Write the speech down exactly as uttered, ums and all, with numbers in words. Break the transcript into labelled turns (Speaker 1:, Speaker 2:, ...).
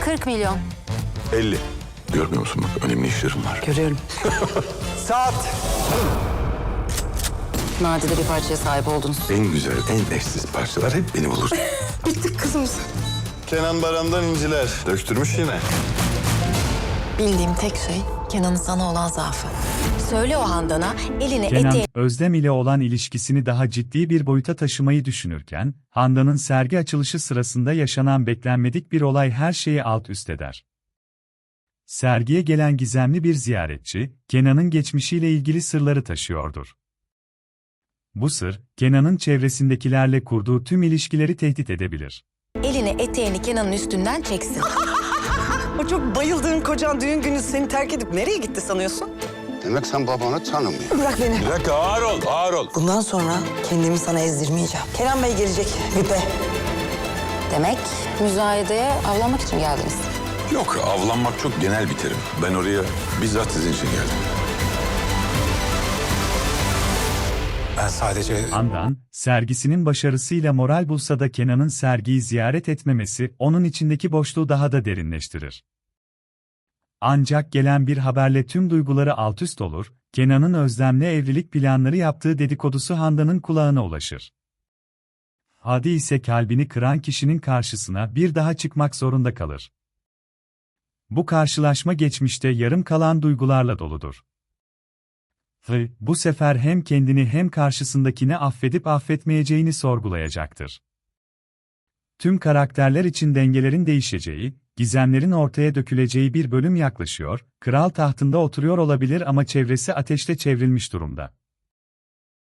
Speaker 1: kırk milyon.
Speaker 2: elli. Görmüyor musun bak, önemli işlerim var.
Speaker 3: Görüyorum.
Speaker 2: Saat.
Speaker 1: Nadide bir parçaya sahip oldunuz.
Speaker 2: En güzel, en eşsiz parçalar hep beni bulur.
Speaker 3: Bittik kızımız.
Speaker 2: Kenan Baran'dan inciler. Döktürmüş yine.
Speaker 4: Bildiğim tek şey Kenan'ın sana olan zaafı. Söyle o Handan'a eline
Speaker 5: Kenan,
Speaker 4: eteği...
Speaker 5: Özlem ile olan ilişkisini daha ciddi bir boyuta taşımayı düşünürken, Handan'ın sergi açılışı sırasında yaşanan beklenmedik bir olay her şeyi alt üst eder. Sergiye gelen gizemli bir ziyaretçi, Kenan'ın geçmişiyle ilgili sırları taşıyordur. Bu sır, Kenan'ın çevresindekilerle kurduğu tüm ilişkileri tehdit edebilir.
Speaker 4: eline eteğini Kenan'ın üstünden çeksin.
Speaker 3: O çok bayıldığın kocan düğün günü seni terk edip nereye gitti sanıyorsun?
Speaker 6: Demek sen babanı tanımıyorsun.
Speaker 3: Bırak beni.
Speaker 2: Bir dakika, ağır ol, ağır ol.
Speaker 3: Bundan sonra kendimi sana ezdirmeyeceğim. Kenan Bey gelecek Vipe.
Speaker 1: Demek müzayedeye avlanmak için geldiniz.
Speaker 2: Yok, avlanmak çok genel bir terim. Ben oraya bizzat sizin için geldim.
Speaker 6: Ben sadece...
Speaker 5: Handan, sergisinin başarısıyla moral bulsa da Kenan'ın sergiyi ziyaret etmemesi, onun içindeki boşluğu daha da derinleştirir. Ancak gelen bir haberle tüm duyguları altüst olur, Kenan'ın Özlem'le evlilik planları yaptığı dedikodusu Handan'ın kulağına ulaşır. Hadi ise kalbini kıran kişinin karşısına bir daha çıkmak zorunda kalır. Bu karşılaşma geçmişte yarım kalan duygularla doludur. Ve bu sefer hem kendini hem karşısındakini affedip affetmeyeceğini sorgulayacaktır. Tüm karakterler için dengelerin değişeceği, gizemlerin ortaya döküleceği bir bölüm yaklaşıyor, kral tahtında oturuyor olabilir ama çevresi ateşle çevrilmiş durumda.